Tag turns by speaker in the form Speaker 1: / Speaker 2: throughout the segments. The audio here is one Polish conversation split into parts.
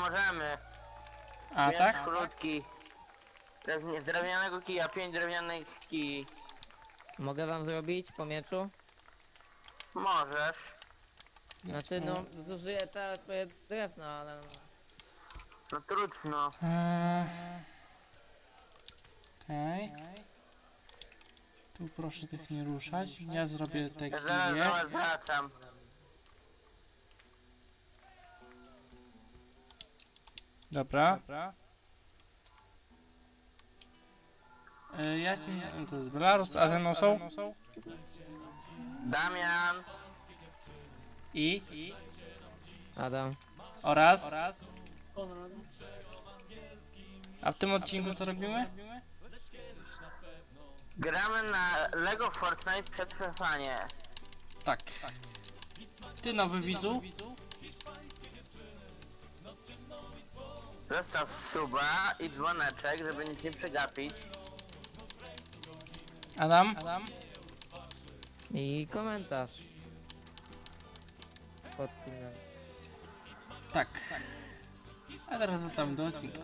Speaker 1: możemy.
Speaker 2: A
Speaker 1: Miecz
Speaker 2: tak?
Speaker 1: krótki. Z drewnianego kija, 5 drewnianych kij.
Speaker 3: Mogę wam zrobić po mieczu?
Speaker 1: Możesz.
Speaker 3: Znaczy no, zużyję całe swoje drewno, ale...
Speaker 1: No trudno.
Speaker 2: Okej. Tu proszę tych nie ruszać. Ja zrobię te
Speaker 1: Ja zaraz do
Speaker 2: kije.
Speaker 1: was wracam.
Speaker 2: Dobra. Ja ci... To jest Belarus, a ze mną są?
Speaker 1: Damian.
Speaker 2: I?
Speaker 3: Adam.
Speaker 2: Oraz? A w tym odcinku co robimy?
Speaker 1: Gramy na Lego Fortnite Przetrwanie.
Speaker 2: Tak. Ty nowy widzu?
Speaker 1: Zostaw suba i dzwoneczek, żeby nic nie przegapić.
Speaker 2: Adam?
Speaker 3: I komentarz. Pod filmem.
Speaker 2: Tak. A teraz wracamy do odcinka.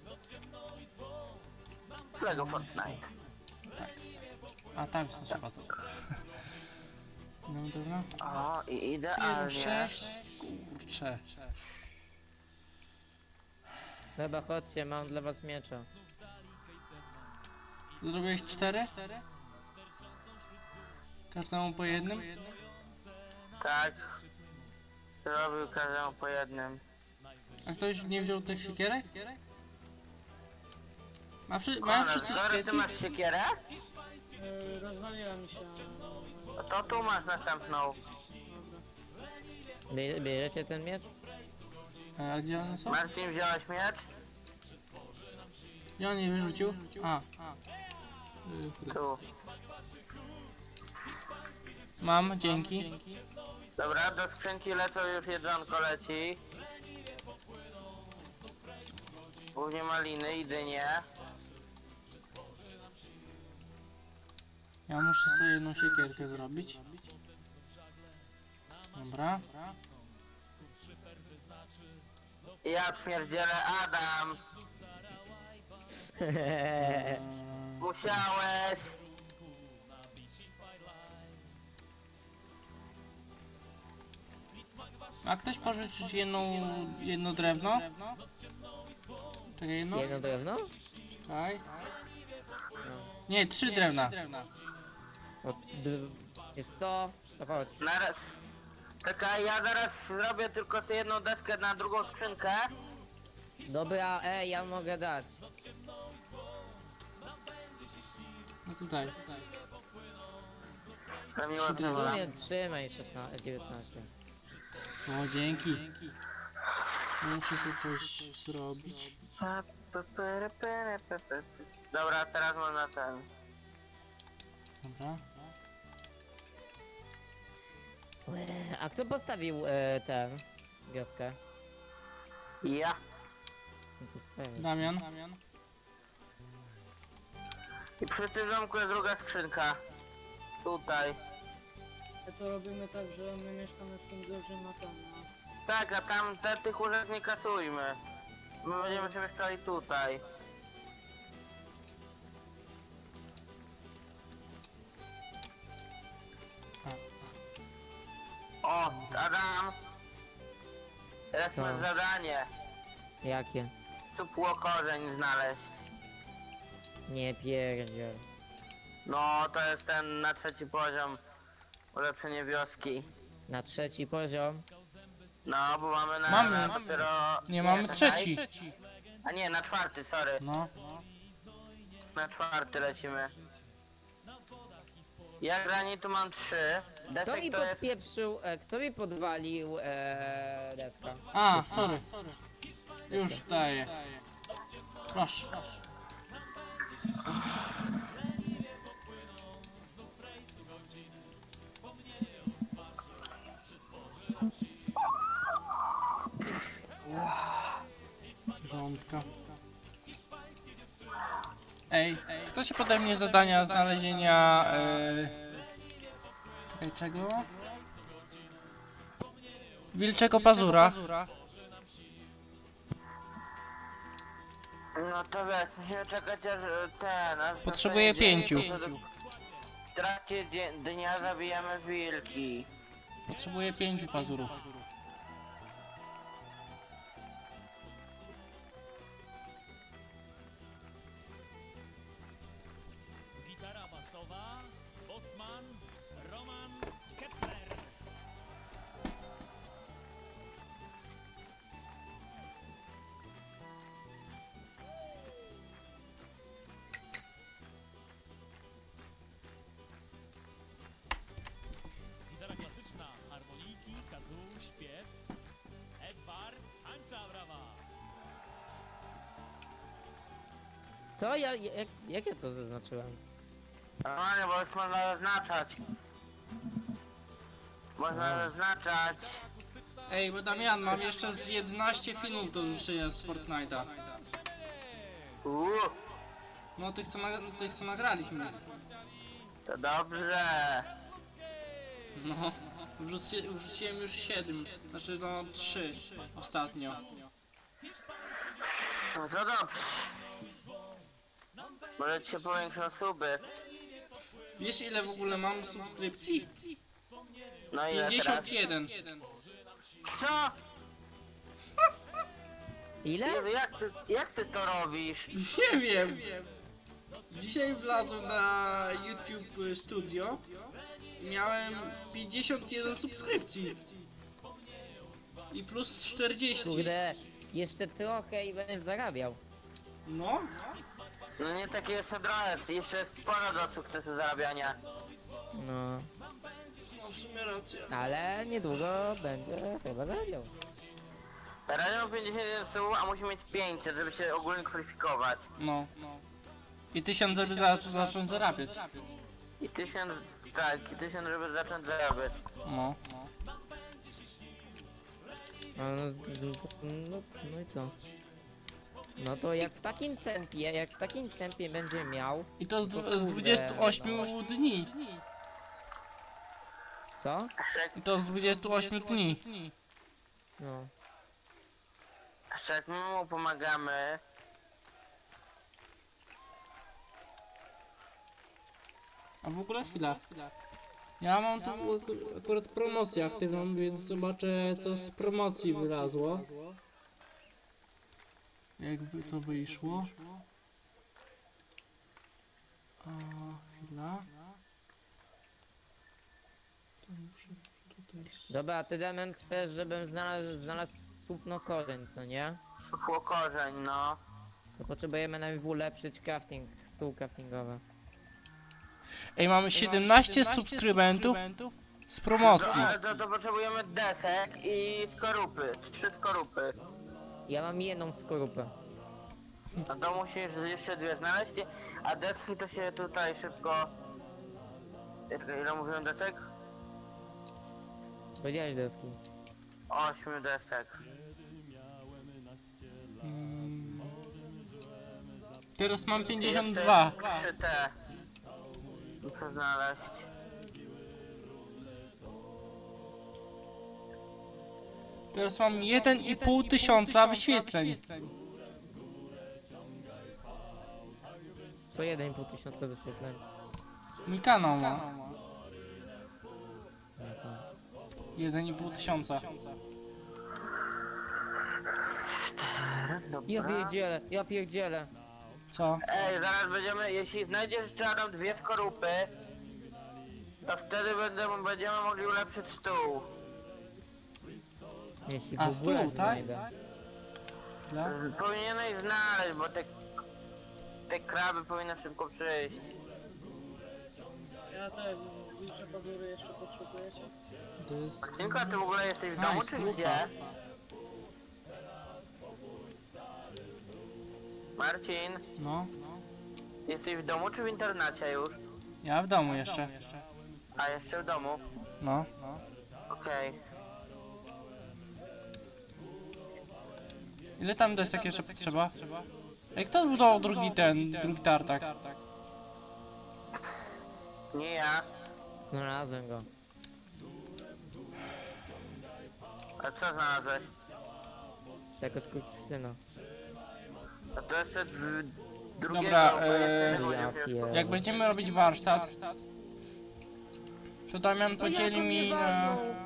Speaker 1: Lego Fortnite.
Speaker 2: A tam się trzeba co? No dobra.
Speaker 1: O, i idealnie.
Speaker 2: 6. Kurczę.
Speaker 3: Dobra, chodźcie, mam dla was miecza.
Speaker 2: Zrobiłeś 4? Każdemu po jednym?
Speaker 1: Tak. Zrobił każdemu po jednym.
Speaker 2: A ktoś nie wziął tych siekierek? Mają
Speaker 1: Konrad,
Speaker 2: wszyscy
Speaker 1: skoro ty
Speaker 2: siekierki?
Speaker 1: masz siekierę,
Speaker 4: Rozwaliła mi się.
Speaker 1: to tu masz następną.
Speaker 3: Bierzecie ten miecz?
Speaker 2: A gdzie one są?
Speaker 1: Marcin, wziąłeś miecz?
Speaker 2: Gdzie on je wyrzucił? A.
Speaker 1: Tu.
Speaker 2: Mam, dzięki.
Speaker 1: Dobra, do skrzynki lecą już jedzonko leci. Głównie maliny i dynie.
Speaker 2: Ja muszę sobie jedną siekierkę zrobić. Dobra.
Speaker 1: Ja pierdzielę Adam. Musiałeś.
Speaker 2: A ktoś pożyczyć jedno drewno? Czekaj, jedno?
Speaker 3: Jedno drewno?
Speaker 2: Czekaj. Nie, 3 drewna.
Speaker 3: Jest co? To chodź.
Speaker 1: Naraz. Czekaj, ja zaraz zrobię tylko tę jedną deskę na drugą skrzynkę.
Speaker 3: Dobra, ja mogę dać.
Speaker 2: No tutaj.
Speaker 1: To miło
Speaker 2: Trzy drewna.
Speaker 3: W
Speaker 1: trzeba.
Speaker 3: sumie trzymaj 16, 19.
Speaker 2: O, dzięki. Muszę sobie coś zrobić.
Speaker 1: Dobra, teraz można ten.
Speaker 2: Dobra.
Speaker 3: A kto postawił tę wioskę?
Speaker 1: Ja.
Speaker 3: No to sprawy.
Speaker 2: Damian.
Speaker 1: I przy tym domku jest druga skrzynka. Tutaj.
Speaker 4: To robimy tak, że my mieszkamy w tym dużym, a tam no.
Speaker 1: Tak, a tam tych łóżek nie kasujmy. My będziemy się mieszkali tutaj. O, Adam! Teraz
Speaker 3: Co?
Speaker 1: masz zadanie.
Speaker 3: Jakie?
Speaker 1: Supłokorzeń znaleźć.
Speaker 3: Nie pierdziel.
Speaker 1: No, to jest ten na 3. poziom. Ulepszenie wioski.
Speaker 3: Na 3. poziom?
Speaker 1: No, bo mamy na,
Speaker 2: Mamy.
Speaker 1: na dopiero...
Speaker 2: Nie, mamy
Speaker 1: czekaj.
Speaker 2: 3.
Speaker 1: A nie, na 4, sorry.
Speaker 2: No.
Speaker 1: Na 4 lecimy. Ja granitu mam 3.
Speaker 3: Kto mi
Speaker 1: Defekt to jest...
Speaker 3: podpieprzył, kto mi podwalił deska?
Speaker 2: A, sorry. Już daję. Proszę. Rządka. Ej, kto się pode mnie zadania znalezienia... Czekaj, czego? Wilczego pazura.
Speaker 1: No to wiesz, musimy czekać aż aż
Speaker 2: Potrzebuję
Speaker 1: nastanie dzień,
Speaker 2: 5.
Speaker 1: to w trakcie dnia zabijamy wilki.
Speaker 2: Potrzebuję 5 pazurów.
Speaker 5: Gitara basowa, Bosman, Roman, Kepler. Gitara klasyczna, harmonijki, kazoo, śpiew. Edward, Hancza brawa.
Speaker 3: Co? Jak ja to zaznaczyłem?
Speaker 1: Normalnie, bo już można zaznaczać. Można zaznaczać.
Speaker 2: Ej, bo Damian, mam jeszcze z 11 filmów do zniszczenia z Fortnite'a.
Speaker 1: Uuu,
Speaker 2: No tych co nagraliśmy.
Speaker 1: to dobrze.
Speaker 2: No, wrzuciłem już 7, znaczy no 3 ostatnio.
Speaker 1: No to dobrze. Może ci się powiększą suby.
Speaker 2: Wiesz ile w ogóle mam subskrypcji?
Speaker 1: No ile teraz?
Speaker 2: 51.
Speaker 1: Co?
Speaker 3: Ile?
Speaker 1: Jezu, jak ty to robisz?
Speaker 2: Nie wiem. Dzisiaj wlazłem na YouTube Studio i miałem 51 subskrypcji. I plus 40.
Speaker 3: Kurde, jeszcze trochę i będę zarabiał.
Speaker 2: No,
Speaker 1: No nie takie jeszcze drogi, jeszcze jest sporo do sukcesu zarabiania.
Speaker 3: No,
Speaker 2: no w sumie racja.
Speaker 3: ale niedługo będę chyba zarabiał.
Speaker 1: Teraz mam 51 subów, a musi mieć 500, żeby się ogólnie kwalifikować.
Speaker 2: No. I 1000 żeby zacząć zarabiać.
Speaker 1: I 1000, tak, i 1000 żeby zacząć zarabiać.
Speaker 2: No.
Speaker 3: No i co? No to jak w takim tempie będzie miał,
Speaker 2: I to z 28 dni.
Speaker 3: co?
Speaker 2: I to z 28 dni.
Speaker 3: No.
Speaker 1: Jeszcze jak my mu pomagamy,
Speaker 2: A w ogóle chwila. Ja mam tu akurat promocję aktywną, więc zobaczę co z promocji wylazło. To wyszło. A, chwila. To muszę tutaj...
Speaker 3: Dobra, a ty Damian chcesz, żebym znalazł słupno korzeń, co nie?
Speaker 1: suchło korzeń, no.
Speaker 3: To potrzebujemy najpierw ulepszyć stół craftingowy.
Speaker 2: Ej, mamy 17 subskrybentów z promocji.
Speaker 1: No, ale to potrzebujemy desek i skorupy, 3 skorupy.
Speaker 3: Ja mam jedną skorupę.
Speaker 1: No to musisz jeszcze 2 znaleźć, a deski to się tutaj szybko... Ile mówiłem desek?
Speaker 3: Powiedziałeś deski.
Speaker 1: 8 desek.
Speaker 2: Mm. Teraz mam 52.
Speaker 1: 3T. Muszę znaleźć.
Speaker 2: Teraz mam 1,5 tysiąca wyświetleń.
Speaker 3: Co 1,5 tysiąca wyświetleń.
Speaker 2: Mój kanał ma 1,5 tysiąca.
Speaker 1: Dobra.
Speaker 3: Ja pierdzielę.
Speaker 2: Co?
Speaker 1: Ej, zaraz będziemy, jeśli znajdziesz jeszcze Adam 2 skorupy, to wtedy będziemy mogli ulepszyć stół.
Speaker 3: Jeśli
Speaker 2: A,
Speaker 3: w ogóle
Speaker 2: stół, tak?
Speaker 3: znajdę.
Speaker 2: Dla?
Speaker 1: Powinieneś znaleźć, bo te kraby powinny szybko przyjść.
Speaker 4: Ja te wilcze pazury jeszcze potrzebujecie?
Speaker 2: To jest...
Speaker 1: Marcinko, a ty w ogóle jesteś w domu czy
Speaker 2: słucha.
Speaker 1: gdzie? Marcin,
Speaker 2: No.
Speaker 1: jesteś w domu czy w internacie już?
Speaker 2: Ja w domu jeszcze.
Speaker 1: A, jeszcze w domu?
Speaker 2: No.
Speaker 1: Okej.
Speaker 2: Ile tam desek jeszcze potrzeba? Ej, kto zbudował drugi tartak?
Speaker 1: Nie ja.
Speaker 3: Znalazłem go.
Speaker 1: A co znalazłeś?
Speaker 3: Tego skurczysyna.
Speaker 1: A to jeszcze drugiego,
Speaker 2: Dobra,
Speaker 1: bo jeszcze nie
Speaker 3: ja
Speaker 1: chodził
Speaker 3: pier-
Speaker 2: Jak będziemy robić warsztat, to Damian
Speaker 3: To jak
Speaker 2: podzieli
Speaker 3: on mnie
Speaker 2: mi na...
Speaker 3: walnął?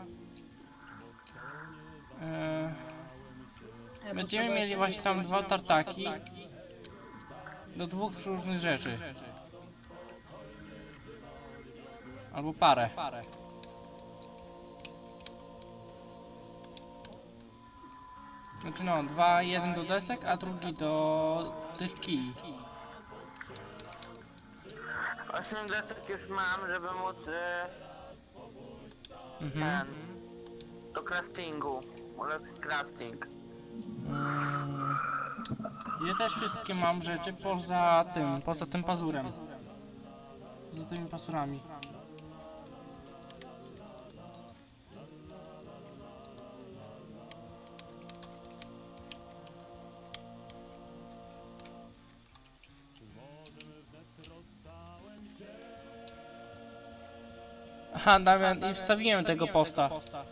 Speaker 4: Nie,
Speaker 2: Będziemy
Speaker 4: potrzeba
Speaker 2: mieli
Speaker 4: jeszcze
Speaker 2: właśnie tam
Speaker 4: mieć
Speaker 2: dwa
Speaker 4: tam
Speaker 2: tartaki do dwóch różnych rzeczy. Albo parę. Znaczy no, dwa, jeden do desek, a drugi do tych kij.
Speaker 1: 8 desek już mam, żeby móc
Speaker 2: Mhm.
Speaker 1: do craftingu. Ulepszyć crafting.
Speaker 2: Ja też wszystkie mam rzeczy poza tym pazurem. Poza tymi pazurami. Aha, Damian, i wstawiłem tego posta.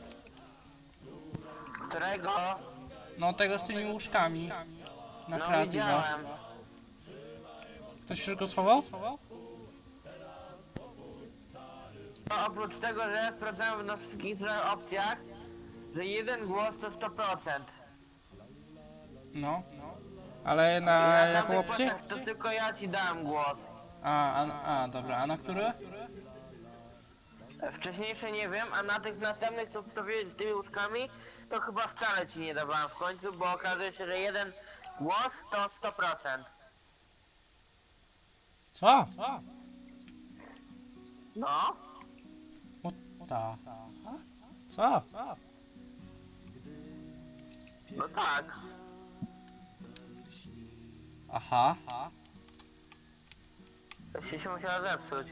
Speaker 1: Którego?
Speaker 2: No tego z tymi łóżkami. Na
Speaker 1: No
Speaker 2: kreatywa.
Speaker 1: widziałem.
Speaker 2: Ktoś już go schował?
Speaker 1: No, oprócz tego, że ja sprawdzałem na wszystkich trzech opcjach, że jeden głos to 100%.
Speaker 2: No. Ale
Speaker 1: I
Speaker 2: na
Speaker 1: na
Speaker 2: jaką
Speaker 1: tamtych
Speaker 2: opcję?
Speaker 1: postach to tylko ja ci dałem głos.
Speaker 2: Dobra, a na który?
Speaker 1: Wcześniejsze nie wiem, a na tych następnych, co wstawiłeś z tymi łóżkami, to chyba wcale ci nie dawałem w końcu, bo okazuje się, że jeden głos to 100%.
Speaker 2: Co?
Speaker 1: No,
Speaker 2: Ta. Co?
Speaker 1: no tak.
Speaker 2: Aha.
Speaker 1: To się musiała zepsuć.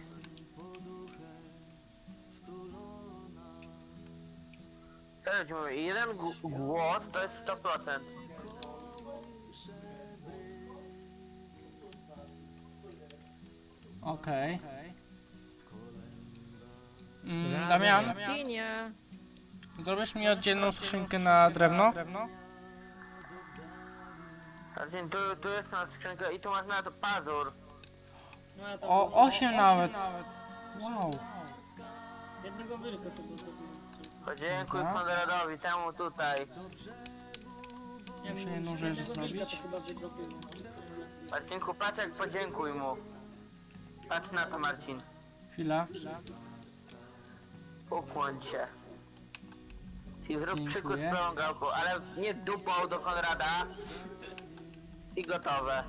Speaker 1: Serio ci mówię, jeden głos to jest 100%.
Speaker 2: Okej.
Speaker 3: Znalazłem
Speaker 2: Damian,
Speaker 3: jaskinię.
Speaker 2: zrobisz mi oddzielną skrzynkę na drewno?
Speaker 1: Znaczy, tu jest na skrzynka i tu masz na to pazur.
Speaker 4: No ja tam
Speaker 2: O, 8 nawet. Wow.
Speaker 4: jednego wilka tego zrobiłem.
Speaker 1: Podziękuj
Speaker 2: Dobra.
Speaker 1: Konradowi, temu tutaj.
Speaker 4: Nie
Speaker 2: Muszę
Speaker 4: wiem,
Speaker 2: jedną
Speaker 4: z
Speaker 2: rzecz
Speaker 4: jednego wilka
Speaker 2: zrobić.
Speaker 4: to chyba wydropiłem.
Speaker 1: Marcinku, patrz jak podziękuj mu. Patrz na to, Marcin.
Speaker 2: Chwila.
Speaker 1: Ukłoń się. I zrób
Speaker 2: Dziękuję.
Speaker 1: przykład z pełną gałką, ale nie dupą do Konrada. I gotowe.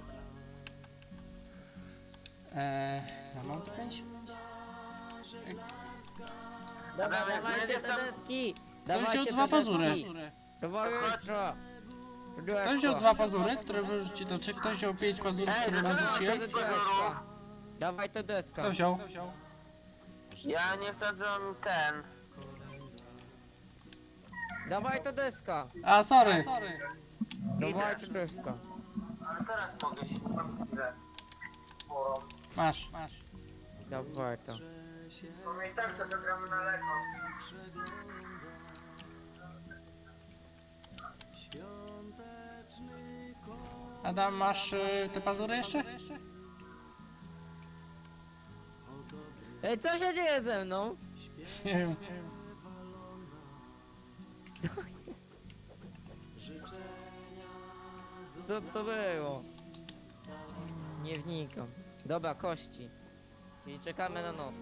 Speaker 2: Ja mam tu 5?
Speaker 3: Dobra,
Speaker 1: Dawaj,
Speaker 3: dawajcie
Speaker 1: będziesz
Speaker 3: te
Speaker 1: tam-
Speaker 3: deski.
Speaker 2: Ktoś
Speaker 3: Dawajcie
Speaker 2: wziął
Speaker 3: te
Speaker 2: dwa pazury.
Speaker 3: deski. Towarzystwo.
Speaker 2: Ktoś wziął 2 pazury, które wyrzuci, to czy ktoś wziął 5 pazurów,
Speaker 1: Ej,
Speaker 2: które
Speaker 1: dlaczego
Speaker 2: wyrzuciłem?
Speaker 1: mam
Speaker 3: Deska. Dawaj to deska.
Speaker 2: Kto wziął?
Speaker 1: Ja nie chcę, żebym ten.
Speaker 3: Dawaj to deska.
Speaker 2: A, sorry.
Speaker 3: Dawaj to deska.
Speaker 1: Ale teraz mogę się
Speaker 2: Masz.
Speaker 3: Dawaj to.
Speaker 1: Bo my i tak to zagramy na lekko.
Speaker 2: Adam, masz te pazury jeszcze?
Speaker 3: Ej, co się dzieje ze mną?
Speaker 2: Nie wiem.
Speaker 3: Co to było? Nie wnikam. Dobra, kości. Czyli czekamy na noc.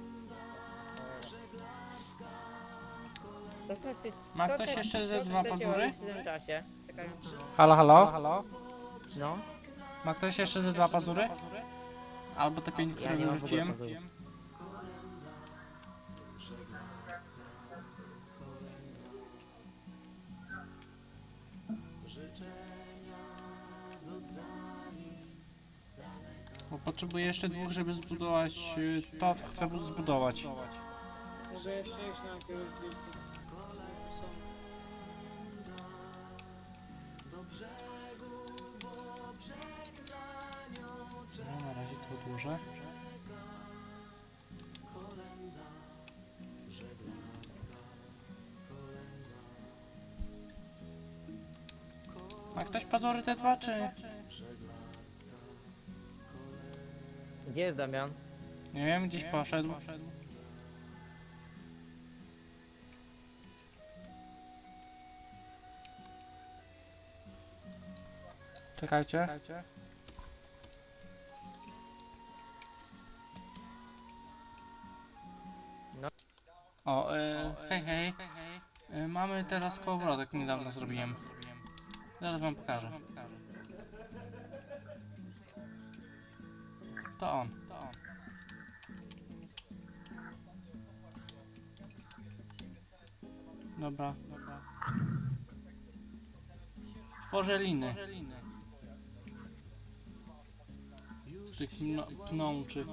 Speaker 3: To
Speaker 2: Ma ktoś jeszcze ze dwa pazury?
Speaker 3: w tym czasie? Czekając.
Speaker 2: Halo?
Speaker 3: No.
Speaker 2: Ma ktoś jeszcze ze 2 pazury? Albo te 5,
Speaker 3: Ja
Speaker 2: które
Speaker 3: nie mam w ogóle
Speaker 2: wyrzuciłem?
Speaker 3: pazurów.
Speaker 2: Bo potrzebuję jeszcze 2, żeby zbudować to, co chcę zbudować.
Speaker 4: Mogę jeszcze iść na jakiegoś wilka.
Speaker 2: No, na razie to odłożę. Ma ktoś pazury te 2, czy...
Speaker 3: Gdzie jest Damian?
Speaker 2: Nie wiem, gdzieś poszedł. Czekajcie.
Speaker 3: No.
Speaker 2: O, hej. Mamy teraz kołowrotek, niedawno zrobiłem. Zaraz wam pokażę. To on. Dobra. Tworzę liny. Z tych pnączy.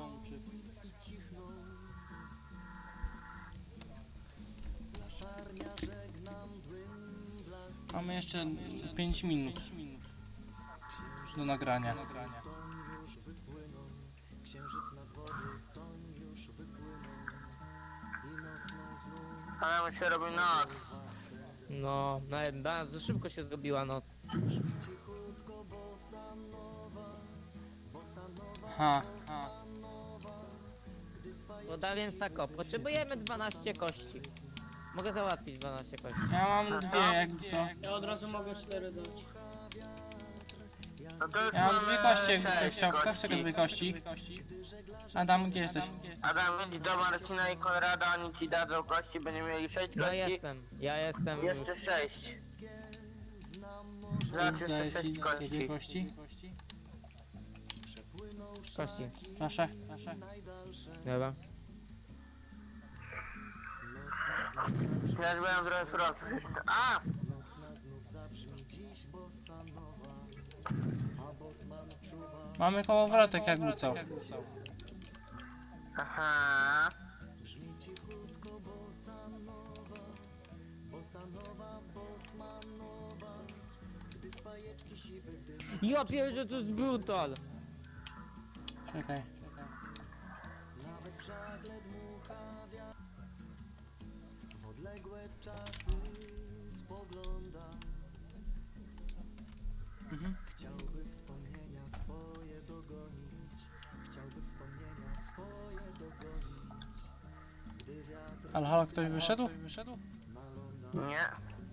Speaker 2: Mamy jeszcze 5 minut do nagrania.
Speaker 1: Ale mi się robi noc.
Speaker 3: No, bardzo szybko się zrobiła noc.
Speaker 2: Ha.
Speaker 3: No da więc tak o, potrzebujemy 12 kości. Mogę załatwić 12 kości.
Speaker 2: Ja mam dwie, jakby co.
Speaker 4: Ja od razu mogę 4 dać.
Speaker 1: No to już
Speaker 2: Ja mam
Speaker 1: mamy
Speaker 2: dwie kości, jakby ktoś
Speaker 1: sześć
Speaker 2: chciał. Kto chce dwie kości? Adam, gdzie jesteś?
Speaker 1: Adam, idź do Marcina i Konrada, oni ci dadzą kości, będziemy mieli 6
Speaker 3: No
Speaker 1: kości.
Speaker 3: ja jestem już.
Speaker 1: Jeszcze 6. Znaczy
Speaker 2: Daję
Speaker 1: jeszcze
Speaker 2: ci
Speaker 1: 6
Speaker 2: jakie
Speaker 1: kości.
Speaker 2: kości?
Speaker 3: Kości.
Speaker 2: Proszę.
Speaker 3: Dobra.
Speaker 1: Ja już byłem trochę surowców jeszcze. A!
Speaker 2: Mamy kołowrotek, jakby co.
Speaker 1: Aha.
Speaker 3: Ja pierdzę, to jest brutal!
Speaker 2: Czekaj. Mhm. Ale halo, ktoś wyszedł?
Speaker 1: Nie.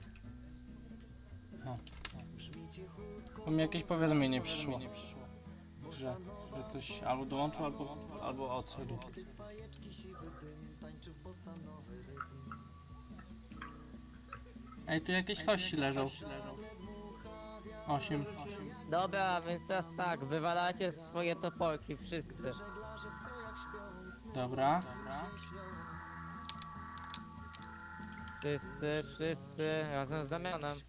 Speaker 2: Bo mi jakieś powiadomienie przyszło. Że ktoś albo dołączył, albo odszedł. Ej, tu jakieś kości leżą. 8.
Speaker 3: Dobra, więc teraz tak, wywalacie swoje toporki, wszyscy.
Speaker 2: Dobra.
Speaker 3: Wszyscy, razem z Damianem.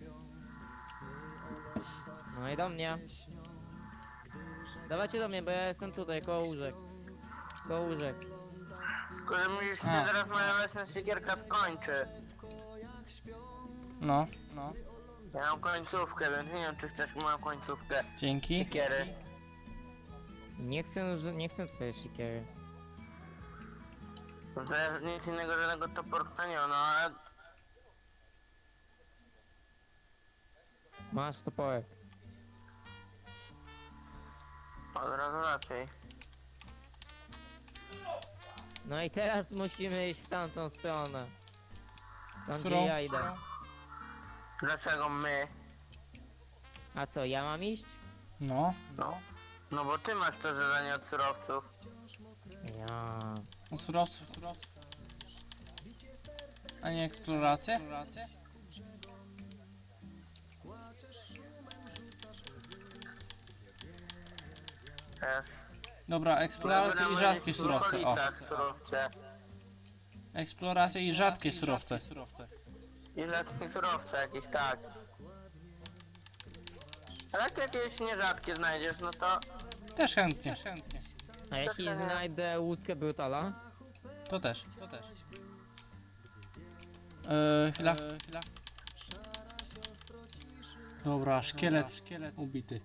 Speaker 3: No i do mnie. Dawajcie do mnie, bo ja jestem tutaj, koło łóżek. Koło łóżek.
Speaker 1: Tylko mi już się
Speaker 2: A.
Speaker 1: zaraz moja lesna siekierka skończy.
Speaker 2: No.
Speaker 1: Ja mam końcówkę, więc nie wiem czy chcesz moją końcówkę
Speaker 2: Dzięki.
Speaker 1: siekiery.
Speaker 3: Nie chcę twojej siekiery.
Speaker 1: To jest nic innego, żadnego toporka nie ma, no ale...
Speaker 3: Masz toporek.
Speaker 1: Od razu raczej.
Speaker 3: No i teraz musimy iść w tamtą stronę. Tam
Speaker 2: Którą?
Speaker 3: gdzie ja idę.
Speaker 1: Dlaczego my?
Speaker 3: A co, ja mam iść?
Speaker 2: No.
Speaker 1: No bo ty masz to zadanie od surowców.
Speaker 3: Ja.
Speaker 2: Surowców. A nie eksplorację?
Speaker 1: Też.
Speaker 2: Dobra, eksploracja i rzadkie surowce. O.
Speaker 1: Surowce.
Speaker 2: Eksploracja i rzadkie surowce.
Speaker 1: I rzadkie surowce jakieś, tak. Ale jak jakieś nierzadkie znajdziesz, no to...
Speaker 2: Też chętnie.
Speaker 3: A jeśli znajdę łuskę brutala?
Speaker 2: To też. Chwila. Dobra, szkielet ubity.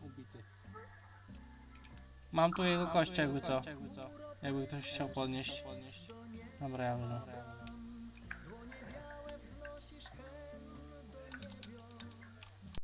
Speaker 2: Mam tu jego kość, jakby co. Jakby ktoś chciał podnieść. Dobra, ja wezmę.